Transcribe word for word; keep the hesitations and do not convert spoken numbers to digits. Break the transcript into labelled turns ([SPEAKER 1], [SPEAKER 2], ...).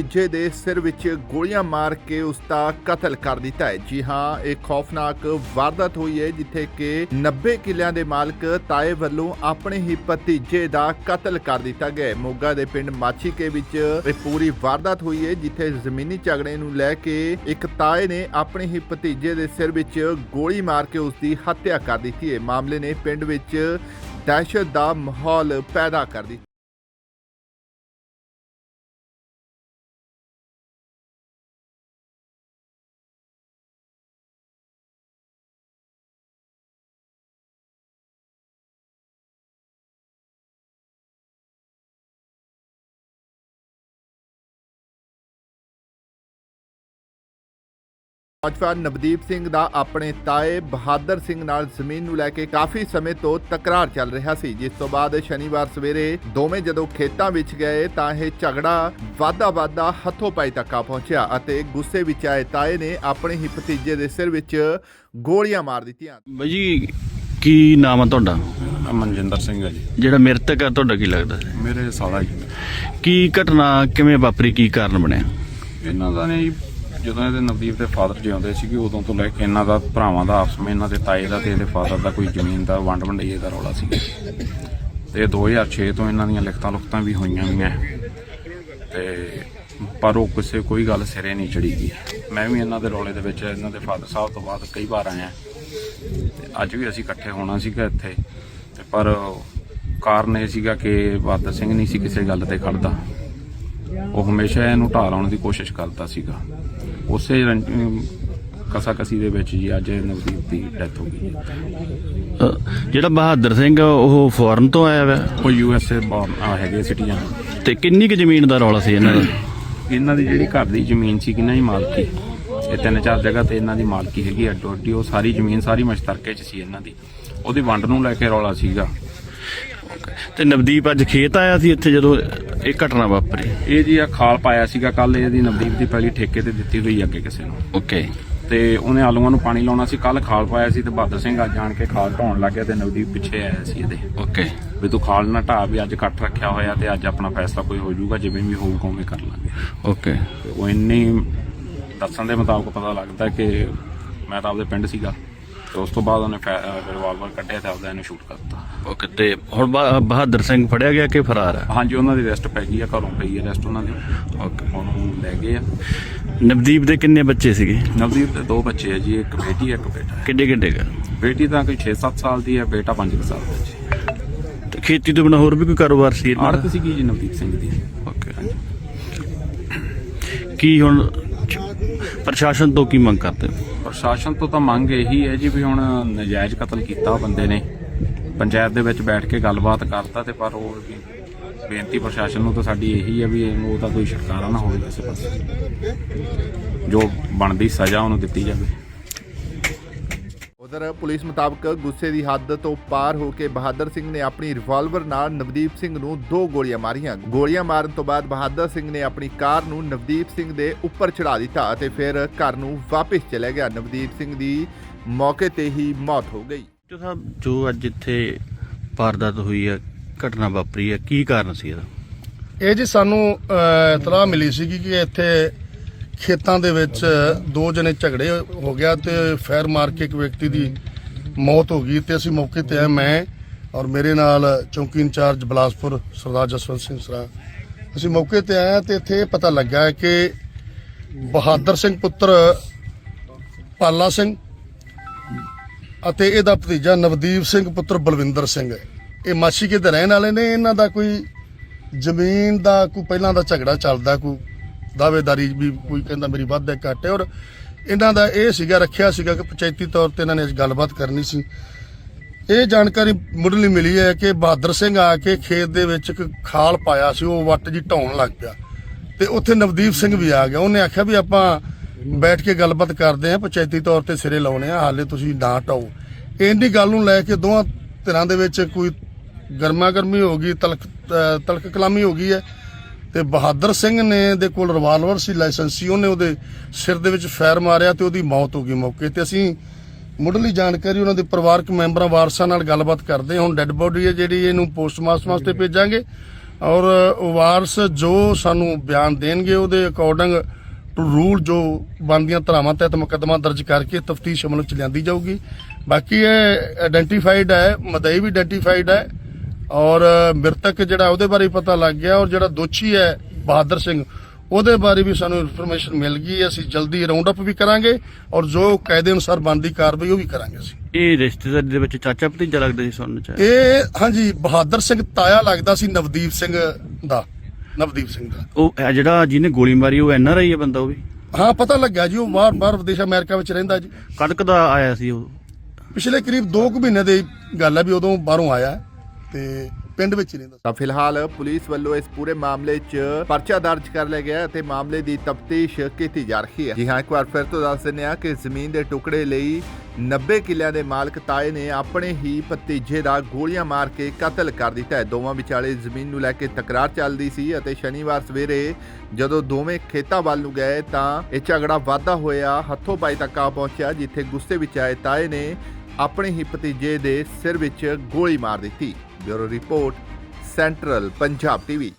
[SPEAKER 1] ਭਤੀਜੇ ਦੇ ਸਿਰ ਵਿੱਚ ਗੋਲੀਆਂ ਮਾਰ ਕੇ ਉਸ ਦਾ ਕਤਲ ਕਰ ਦਿੱਤਾ ਹੈ। ਜੀ ਹਾਂ, ਇਹ ਖੌਫਨਾਕ ਵਾਰਦਾਤ ਹੋਈ ਹੈ ਜਿੱਥੇ ਕਿ ਨੱਬੇ ਕਿੱਲਿਆਂ ਦੇ ਮਾਲਕ ਤਾਏ ਵੱਲੋਂ ਆਪਣੇ ਹੀ ਭਤੀਜੇ ਦਾ ਕਤਲ ਕਰ ਦਿੱਤਾ ਗਿਆ। ਮੋਗਾ ਦੇ ਪਿੰਡ ਮਾਛੀਕੇ ਵਿੱਚ ਇਹ ਪੂਰੀ ਵਾਰਦਾਤ ਹੋਈ ਹੈ ਜਿੱਥੇ ਜ਼ਮੀਨੀ ਝਗੜੇ ਨੂੰ ਲੈ ਕੇ ਇੱਕ ਤਾਏ ਨੇ ਆਪਣੇ ਹੀ ਭਤੀਜੇ ਦੇ ਸਿਰ ਵਿੱਚ ਗੋਲੀ ਮਾਰ ਕੇ ਉਸ ਦੀ ਹੱਤਿਆ ਕਰ ਦਿੱਤੀ ਹੈ। ਮਾਮਲੇ ਨੇ ਪਿੰਡ ਵਿੱਚ ਦਹਿਸ਼ਤ ਦਾ ਮਾਹੌਲ ਪੈਦਾ ਕਰ ਦਿੱਤਾ। ਨੌਜਵਾਨ ਨਵਦੀਪ ਸਿੰਘ ਦਾ ਆਪਣੇ ਤਾਏ ਬਹਾਦਰ ਸਿੰਘ ਨਾਲ ਜ਼ਮੀਨ ਨੂੰ ਲੈ ਕੇ ਕਾਫੀ ਸਮੇਂ ਤੋਂ ਤਕਰਾਰ ਚੱਲ ਰਿਹਾ ਸੀ, ਜਿਸ ਤੋਂ ਬਾਅਦ ਸ਼ਨੀਵਾਰ ਸਵੇਰੇ ਦੋਵੇਂ ਜਦੋਂ ਖੇਤਾਂ ਵਿੱਚ ਗਏ ਤਾਂ ਇਹ ਝਗੜਾ ਵਾਧਾ ਵਾਧਾ ਹੱਥੋਂ ਪਾਈ ਤੱਕ ਆ ਪਹੁੰਚਿਆ ਅਤੇ ਗੁੱਸੇ ਵਿੱਚ ਆਏ ਤਾਏ ਨੇ ਆਪਣੇ ਹੀ ਭਤੀਜੇ ਦੇ ਸਿਰ ਵਿੱਚ ਗੋਲੀਆਂ ਮਾਰ ਦਿੱਤੀਆਂ।
[SPEAKER 2] ਬਾਈ ਜੀ, ਕੀ ਨਾਮ ਆ ਤੁਹਾਡਾ?
[SPEAKER 3] ਮਨਜਿੰਦਰ ਸਿੰਘ ਹੈ ਜੀ।
[SPEAKER 2] ਜਿਹੜਾ ਮ੍ਰਿਤਕ ਆ ਤੁਹਾਡਾ ਕੀ ਲੱਗਦਾ?
[SPEAKER 3] ਮੇਰੇ ਸਾਲਾ ਜੀ।
[SPEAKER 2] ਕੀ ਘਟਨਾ ਕਿਵੇਂ ਵਾਪਰੀ, ਕੀ ਕਾਰਨ ਬਣਿਆ?
[SPEAKER 3] ਇਹਨਾਂ ਦਾ ਨੇ ਜਦੋਂ ਇਹਦੇ ਨਵਦੀਪ ਦੇ ਫਾਦਰ ਜਿਉਂਦੇ ਸੀਗੇ ਉਦੋਂ ਤੋਂ ਲੈ ਕੇ ਇਹਨਾਂ ਦਾ ਭਰਾਵਾਂ ਦਾ ਆਪਸ ਵਿੱਚ ਇਹਨਾਂ ਦੇ ਤਾਏ ਦਾ ਤੇ ਇਹਦੇ ਫਾਦਰ ਦਾ ਕੋਈ ਜ਼ਮੀਨ ਦਾ ਵੰਡ ਵੰਡਈਏ ਦਾ ਰੌਲਾ ਸੀ ਤੇ ਦੋ ਹਜ਼ਾਰ ਛੇ ਤੋਂ ਇਹਨਾਂ ਦੀਆਂ ਲਿਖਤਾਂ ਲੁਖਤਾਂ ਵੀ ਹੋਈਆਂ ਵੀਆਂ ਤੇ ਪਰ ਉਹ ਕਿਸੇ ਕੋਈ ਗੱਲ ਸਿਰੇ ਨਹੀਂ ਚੜੀ ਗਈ। ਮੈਂ ਵੀ ਇਹਨਾਂ ਦੇ ਰੌਲੇ ਦੇ ਵਿੱਚ ਇਹਨਾਂ ਦੇ ਫਾਦਰ ਸਾਹਿਬ ਤੋਂ ਬਾਅਦ ਕਈ ਵਾਰ ਆਇਆ ਤੇ ਅੱਜ ਵੀ ਅਸੀਂ ਇਕੱਠੇ ਹੋਣਾ ਸੀਗਾ ਇੱਥੇ ਤੇ ਪਰ ਕਾਰਨ ਇਹ ਸੀਗਾ ਕਿ ਬਹਾਦਰ ਸਿੰਘ ਨਹੀਂ ਸੀ ਕਿਸੇ ਗੱਲ ਤੇ ਖੜਦਾ। ਉਹ ਹਮੇਸ਼ਾ ਇਹਨੂੰ ਢਾਹ ਲਾਉਣ ਦੀ ਕੋਸ਼ਿਸ਼ ਕਰਦਾ ਸੀਗਾ। ਉਸੇ ਕਸਾ ਕਸੀ ਦੇ ਵਿੱਚ ਜੀ ਅੱਜ ਨਵਦੀਪ ਦੀ ਡੈਥ ਹੋ ਗਈ।
[SPEAKER 2] ਜਿਹੜਾ ਬਹਾਦਰ ਸਿੰਘ ਉਹ ਫੋਰਨ ਤੋਂ ਆਇਆ ਵਾ?
[SPEAKER 3] ਉਹ ਯੂ ਐਸ ਏ ਹੈਗੇ ਸਿਟੀਜ਼ਨ।
[SPEAKER 2] ਤੇ ਕਿੰਨੀ ਕੁ ਜ਼ਮੀਨ ਦਾ ਰੌਲਾ ਸੀ ਇਹਨਾਂ ਦਾ?
[SPEAKER 3] ਇਹਨਾਂ ਦੀ ਜਿਹੜੀ ਘਰ ਦੀ ਜ਼ਮੀਨ ਸੀ ਕਿੰਨਾ ਹੀ ਮਾਲਕੀ, ਇਹ ਤਿੰਨ ਚਾਰ ਜਗ੍ਹਾ ਤੇ ਇਹਨਾਂ ਦੀ ਮਾਲਕੀ ਹੈਗੀ ਅੱਡੋ ਅੱਡੀ। ਉਹ ਸਾਰੀ ਜ਼ਮੀਨ ਸਾਰੀ ਮਸ਼ਤਰਕੇ 'ਚ ਸੀ ਇਹਨਾਂ ਦੀ, ਉਹਦੀ ਵੰਡ ਨੂੰ ਲੈ ਕੇ ਰੌਲਾ ਸੀਗਾ।
[SPEAKER 2] ਤੇ ਨਵਦੀਪ ਅੱਜ ਖੇਤ ਆਇਆ ਸੀ ਇੱਥੇ ਜਦੋਂ ਇਹ ਘਟਨਾ ਵਾਪਰੀ?
[SPEAKER 3] ਇਹ ਜੀ ਆ ਖਾਲ ਪਾਇਆ ਸੀਗਾ ਕੱਲ, ਇਹਦੀ ਨਵਦੀਪ ਦੀ ਪਹਿਲੀ ਠੇਕੇ ਤੇ ਦਿੱਤੀ ਹੋਈ ਅੱਗੇ ਕਿਸੇ ਨੂੰ।
[SPEAKER 2] ਓਕੇ।
[SPEAKER 3] ਤੇ ਉਹਨੇ ਆਲੂਆਂ ਨੂੰ ਪਾਣੀ ਲਾਉਣਾ ਸੀ, ਕੱਲ ਖਾਲ ਪਾਇਆ ਸੀ ਤੇ ਬਹਾਦਰ ਸਿੰਘ ਅੱਜ ਜਾਣ ਕੇ ਖਾਲ ਢਾਉਣ ਲੱਗ ਗਿਆ ਤੇ ਨਵਦੀਪ ਪਿੱਛੇ ਆਇਆ ਸੀ ਇਹਦੇ।
[SPEAKER 2] ਓਕੇ।
[SPEAKER 3] ਵੀ ਤੂੰ ਖਾਲ ਨਾ ਢਾਹ, ਵੀ ਅੱਜ ਇਕੱਠ ਰੱਖਿਆ ਹੋਇਆ ਤੇ ਅੱਜ ਆਪਣਾ ਫੈਸਲਾ ਕੋਈ ਹੋ ਜਾਊਗਾ, ਜਿਵੇਂ ਵੀ ਹੋਊਗਾ ਉਵੇਂ ਕਰ ਲਾਂਗੇ।
[SPEAKER 2] ਓਕੇ।
[SPEAKER 3] ਉਹ ਇੰਨੀ ਦੱਸਣ ਦੇ ਮੁਤਾਬਕ ਪਤਾ ਲੱਗਦਾ ਕਿ ਮੈਂ ਤਾਂ ਆਪਦੇ ਪਿੰਡ ਸੀਗਾ ਤੇ ਉਸ ਤੋਂ ਬਾਅਦ ਉਹਨੇ ਰਿਵਾਲਵਰ ਕੱਢਿਆ ਤੇ ਆਪਦਾ ਇਹਨੂੰ ਸ਼ੂਟ ਕਰਤਾ।
[SPEAKER 2] ਓਕੇ। ਤੇ ਹੁਣ ਬਹਾਦਰ ਸਿੰਘ ਫੜਿਆ ਗਿਆ ਕਿ ਫਰਾਰ ਆ?
[SPEAKER 3] ਹਾਂਜੀ, ਉਹਨਾਂ ਦੀ ਅਰੈਸਟ ਪੈ ਗਈ ਆ, ਘਰੋਂ ਪਈ ਆ ਅਰੈਸਟ ਉਹਨਾਂ ਦੀ।
[SPEAKER 2] ਓਕੇ।
[SPEAKER 3] ਉਹਨੂੰ ਲੈ ਗਏ ਆ।
[SPEAKER 2] ਨਵਦੀਪ ਦੇ ਕਿੰਨੇ ਬੱਚੇ ਸੀਗੇ?
[SPEAKER 3] ਨਵਦੀਪ ਦੇ ਦੋ ਬੱਚੇ ਆ ਜੀ, ਇੱਕ ਬੇਟੀ ਇੱਕ ਬੇਟਾ।
[SPEAKER 2] ਕਿੱਡੇ ਕਿੱਡੇ ਗਾ?
[SPEAKER 3] ਬੇਟੀ ਤਾਂ ਕੋਈ ਛੇ ਸੱਤ ਸਾਲ ਦੀ ਹੈ, ਬੇਟਾ ਪੰਜ ਸਾਲ ਦਾ ਜੀ।
[SPEAKER 2] ਤੇ ਖੇਤੀ ਤੋਂ ਬਿਨਾਂ ਹੋਰ ਵੀ ਕੋਈ ਕਾਰੋਬਾਰ ਸੀ?
[SPEAKER 3] ਆੜਤ ਸੀਗੀ ਜੀ ਨਵਦੀਪ ਸਿੰਘ ਦੀ।
[SPEAKER 2] ਓਕੇ। ਕੀ ਹੁਣ ਪ੍ਰਸ਼ਾਸਨ ਤੋਂ ਕੀ ਮੰਗ ਕਰਦੇ?
[SPEAKER 3] ਪ੍ਰਸ਼ਾਸਨ ਤੋਂ ਤਾਂ ਮੰਗ ਇਹੀ ਹੈ ਜੀ ਵੀ ਹੁਣ ਨਜਾਇਜ਼ ਕਤਲ ਕੀਤਾ ਬੰਦੇ ਨੇ, ਪੰਚਾਇਤ ਦੇ ਵਿੱਚ ਬੈਠ ਕੇ ਗੱਲਬਾਤ ਕਰਤਾ ਤੇ ਪਰ ਉਹ ਬੇਨਤੀ ਪ੍ਰਸ਼ਾਸਨ ਨੂੰ ਤਾਂ ਸਾਡੀ ਇਹੀ ਹੈ ਵੀ ਇਹਨੂੰ ਉਹਦਾ ਕੋਈ ਛੁਟਕਾਰਾ ਨਾ ਹੋਵੇ, ਕਿਸੇ ਪਾਸੇ ਜੋ ਬਣਦੀ ਸਜ਼ਾ ਉਹਨੂੰ ਦਿੱਤੀ ਜਾਵੇ।
[SPEAKER 1] ਉਧਰ ਪੁਲਿਸ ਮੁਤਾਬਕ ਗੁੱਸੇ ਦੀ ਹੱਦ ਤੋਂ ਪਾਰ ਹੋ ਕੇ ਬਹਾਦਰ ਸਿੰਘ ਨੇ ਆਪਣੀ ਰਿਵਾਲਵਰ ਨਾਲ ਨਵਦੀਪ ਸਿੰਘ ਨੂੰ ਦੋ ਗੋਲੀਆਂ ਮਾਰੀਆਂ। ਗੋਲੀਆਂ ਮਾਰਨ ਤੋਂ ਬਾਅਦ ਬਹਾਦਰ ਸਿੰਘ ਨੇ ਆਪਣੀ ਕਾਰ ਨੂੰ ਨਵਦੀਪ ਸਿੰਘ ਦੇ ਉੱਪਰ ਚੜਾ ਦਿੱਤਾ ਅਤੇ ਫਿਰ ਘਰ ਨੂੰ ਵਾਪਸ ਚਲਾ ਗਿਆ। ਨਵਦੀਪ ਸਿੰਘ ਦੀ ਮੌਕੇ ਤੇ ਹੀ ਮੌਤ ਹੋ ਗਈ।
[SPEAKER 2] ਸਾਹਿਬ, ਜੋ ਅੱਜ ਇੱਥੇ ਵਾਰਦਾਤ ਹੋਈ ਹੈ, ਘਟਨਾ ਵਾਪਰੀ ਹੈ, ਕੀ ਕਾਰਨ ਸੀ ਇਹਦਾ?
[SPEAKER 4] ਇਹ ਜੀ ਸਾਨੂੰ ਇਤਲਾਹ ਮਿਲੀ ਸੀਗੀ ਕਿ ਇੱਥੇ ਖੇਤਾਂ ਦੇ ਵਿੱਚ ਦੋ ਜਣੇ ਝਗੜੇ ਹੋ ਗਿਆ ਤੇ ਫਾਇਰ ਮਾਰ ਕੇ ਇੱਕ ਵਿਅਕਤੀ ਦੀ ਮੌਤ ਹੋ ਗਈ ਤੇ ਅਸੀਂ ਮੌਕੇ ਤੇ ਆਏ, ਮੈਂ ਔਰ ਮੇਰੇ ਨਾਲ ਚੌਂਕੀ ਇੰਚਾਰਜ ਬਲਾਸਪੁਰ ਸਰਦਾਰ ਜਸਵੰਤ ਸਿੰਘ ਸਰਾ। ਅਸੀਂ ਮੌਕੇ ਤੇ ਆਏ ਤੇ ਇੱਥੇ ਪਤਾ ਲੱਗਾ ਕਿ ਬਹਾਦਰ ਸਿੰਘ ਪੁੱਤਰ ਪਾਲਾ ਸਿੰਘ ਅਤੇ ਇਹਦਾ ਭਤੀਜਾ ਨਵਦੀਪ ਸਿੰਘ ਪੁੱਤਰ ਬਲਵਿੰਦਰ ਸਿੰਘ, ਇਹ ਮਾਛੀਕੇ ਦੇ ਰਹਿਣ ਵਾਲੇ ਨੇ। ਇਹਨਾਂ ਦਾ ਕੋਈ ਜ਼ਮੀਨ ਦਾ ਕੋਈ ਪਹਿਲਾਂ ਦਾ ਝਗੜਾ ਚੱਲਦਾ, ਕੋਈ ਦਾਅਵੇਦਾਰੀ ਵੀ ਕੋਈ ਕਹਿੰਦਾ ਮੇਰੀ ਵੱਧ ਹੈ ਘੱਟ ਹੈ। ਔਰ ਇਹਨਾਂ ਦਾ ਇਹ ਸੀਗਾ, ਰੱਖਿਆ ਸੀਗਾ ਕਿ ਪੰਚਾਇਤੀ ਤੌਰ ਤੇ ਇਹਨਾਂ ਨੇ ਗੱਲਬਾਤ ਕਰਨੀ ਸੀ। ਇਹ ਜਾਣਕਾਰੀ ਮੁੱਢਲੀ ਮਿਲੀ ਹੈ ਕਿ ਬਹਾਦਰ ਸਿੰਘ ਆ ਕੇ ਖੇਤ ਦੇ ਵਿੱਚ ਇੱਕ ਖਾਲ ਪਾਇਆ ਸੀ, ਉਹ ਵੱਟ ਜੀ ਢਾਉਣ ਲੱਗ ਪਿਆ ਤੇ ਉੱਥੇ ਨਵਦੀਪ ਸਿੰਘ ਵੀ ਆ ਗਿਆ। ਉਹਨੇ ਆਖਿਆ ਵੀ ਆਪਾਂ ਬੈਠ ਕੇ ਗੱਲਬਾਤ ਕਰਦੇ ਆ, ਪੰਚਾਇਤੀ ਤੌਰ ਤੇ ਸਿਰੇ ਲਾਉਣੇ ਆ, ਹਾਲੇ ਤੁਸੀਂ ਨਾ ਢਾਓ। ਇੰਨੀ ਗੱਲ ਨੂੰ ਲੈ ਕੇ ਦੋਵਾਂ ਧਿਰਾਂ ਦੇ ਵਿੱਚ ਕੋਈ ਗਰਮਾ ਗਰਮੀ ਹੋ ਗਈ, ਤਲਕ ਤਲਕ ਕਲਾਮੀ ਹੋ ਗਈ ਹੈ ਤੇ ਬਹਾਦਰ ਸਿੰਘ ਨੇ ਦੇ ਕੋਲ ਰਿਵਾਲਵਰ ਸੀ, ਲਾਇਸੈਂਸੀ, ਉਹਨੇ ਉਹਦੇ ਸਿਰ ਦੇ ਵਿੱਚ ਫਾਇਰ ਮਾਰਿਆ ਤੇ ਉਹਦੀ ਮੌਤ ਹੋ ਗਈ ਮੌਕੇ ਤੇ। ਅਸੀਂ ਮੁੱਢਲੀ ਜਾਣਕਾਰੀ ਉਹਨਾਂ ਦੇ ਪਰਿਵਾਰਕ ਮੈਂਬਰਾਂ ਵਾਰਸਾਂ ਨਾਲ ਗੱਲਬਾਤ ਕਰਦੇ ਹਾਂ। ਹੁਣ ਡੈੱਡ ਬੋਡੀ ਹੈ ਜਿਹੜੀ, ਇਹਨੂੰ ਪੋਸਟਮਾਰਟਮ ਵਾਸਤੇ ਭੇਜਾਂਗੇ ਔਰ ਵਾਰਸ ਜੋ ਸਾਨੂੰ ਬਿਆਨ ਦੇਣਗੇ ਉਹਦੇ ਅਕੋਰਡਿੰਗ ਟੂ ਰੂਲ ਜੋ ਬਣਦੀਆਂ ਧਾਰਾਵਾਂ ਤਹਿਤ ਮੁਕੱਦਮਾ ਦਰਜ ਕਰਕੇ ਤਫਤੀਸ਼ ਅਮਲ ਚ ਲਿਆਂਦੀ ਜਾਊਗੀ। ਬਾਕੀ ਇਹ ਆਇਡੈਂਟੀਫਾਈਡ ਹੈ, ਮਦਈ ਵੀ ਆਇਡੈਂਟੀਫਾਈਡ ਹੈ ਔਰ ਮ੍ਰਿਤਕ ਜਿਹੜਾ ਉਹਦੇ ਬਾਰੇ ਪਤਾ ਲੱਗ ਗਿਆ ਔਰ ਜਿਹੜਾ ਦੋਸ਼ੀ ਹੈ ਬਹਾਦਰ ਸਿੰਘ ਉਹਦੇ ਬਾਰੇ ਵੀ ਸਾਨੂੰ ਇਨਫੋਰਮੇਸ਼ਨ ਮਿਲ ਗਈ। ਅਸੀਂ ਜਲਦੀ ਰਾਉਂਡ ਅਪ ਵੀ ਕਰਾਂਗੇ ਔਰ ਜੋ ਕਾਇਦੇ ਅਨੁਸਾਰ ਬਣਦੀ ਕਾਰਵਾਈ ਉਹ ਵੀ ਕਰਾਂਗੇ ਅਸੀਂ।
[SPEAKER 2] ਇਹ ਰਿਸ਼ਤੇਦਾਰੀ ਦੇ ਵਿੱਚ ਚਾਚਾ ਭਤੀਜਾ ਲੱਗਦਾ ਸੀ ਸੁਣਨ ਚ?
[SPEAKER 4] ਇਹ ਹਾਂਜੀ ਬਹਾਦਰ ਸਿੰਘ ਤਾਇਆ ਲੱਗਦਾ ਸੀ ਨਵਦੀਪ ਸਿੰਘ ਦਾ, ਨਵਦੀਪ ਸਿੰਘ ਦਾ।
[SPEAKER 2] ਉਹ ਇਹ ਜਿਹੜਾ ਜਿਹਨੇ ਗੋਲੀ ਮਾਰੀ ਉਹ ਐਨ ਆਰ ਆਈ ਹੈ ਬੰਦਾ ਉਹ ਵੀ?
[SPEAKER 4] ਹਾਂ ਪਤਾ ਲੱਗਿਆ ਜੀ, ਉਹ ਬਾਹਰ ਬਾਹਰ ਵਿਦੇਸ਼ ਅਮਰੀਕਾ ਵਿੱਚ ਰਹਿੰਦਾ ਜੀ।
[SPEAKER 2] ਕਦ ਕਦਾ ਆਇਆ ਸੀ ਉਹ?
[SPEAKER 4] ਪਿਛਲੇ ਕਰੀਬ ਦੋ ਕੁ ਮਹੀਨੇ ਦੀ ਗੱਲ ਹੈ ਵੀ ਉਦੋਂ ਬਾਹਰੋਂ ਆਇਆ ਤੇ ਪਿੰਡ ਵਿੱਚ ਹੀ ਰਹਿੰਦਾ।
[SPEAKER 1] ਤਾਂ ਫਿਲਹਾਲ ਪੁਲਿਸ ਵੱਲੋਂ ਇਸ ਪੂਰੇ ਮਾਮਲੇ 'ਚ ਪਰਚਾ ਦਰਜ ਕਰ ਲਿਆ ਗਿਆ ਅਤੇ ਮਾਮਲੇ ਦੀ ਤਫਤੀਸ਼ ਕੀਤੀ ਜਾ ਰਹੀ ਹੈ। ਜੀ ਹਾਂ, ਇੱਕ ਵਾਰ ਫਿਰ ਤੋਂ ਦੱਸ ਦਿੰਦੇ ਹਾਂ ਕਿ ਜ਼ਮੀਨ ਦੇ ਟੁਕੜੇ ਲਈ ਨੱਬੇ ਕਿੱਲਿਆਂ ਦੇ ਮਾਲਕ ਤਾਏ ਨੇ ਆਪਣੇ ਹੀ ਭਤੀਜੇ ਦਾ ਗੋਲੀਆਂ ਮਾਰ ਕੇ ਕਤਲ ਕਰ ਦਿੱਤਾ ਹੈ। ਦੋਵਾਂ ਵਿਚਾਲੇ ਜ਼ਮੀਨ ਨੂੰ ਲੈ ਕੇ ਤਕਰਾਰ ਚੱਲਦੀ ਸੀ ਅਤੇ ਸ਼ਨੀਵਾਰ ਸਵੇਰੇ ਜਦੋਂ ਦੋਵੇਂ ਖੇਤਾਂ ਵੱਲ ਨੂੰ ਗਏ ਤਾਂ ਇਹ ਝਗੜਾ ਵਾਧਾ ਹੋਇਆ, ਹੱਥੋਂ ਪਾਈ ਤੱਕ ਆ ਪਹੁੰਚਿਆ, ਜਿੱਥੇ ਗੁੱਸੇ ਵਿੱਚ ਆਏ ਤਾਏ ਨੇ ਆਪਣੇ ਹੀ ਭਤੀਜੇ ਦੇ ਸਿਰ ਵਿੱਚ ਗੋਲੀ ਮਾਰ ਦਿੱਤੀ। Bureau report, central Punjab TV.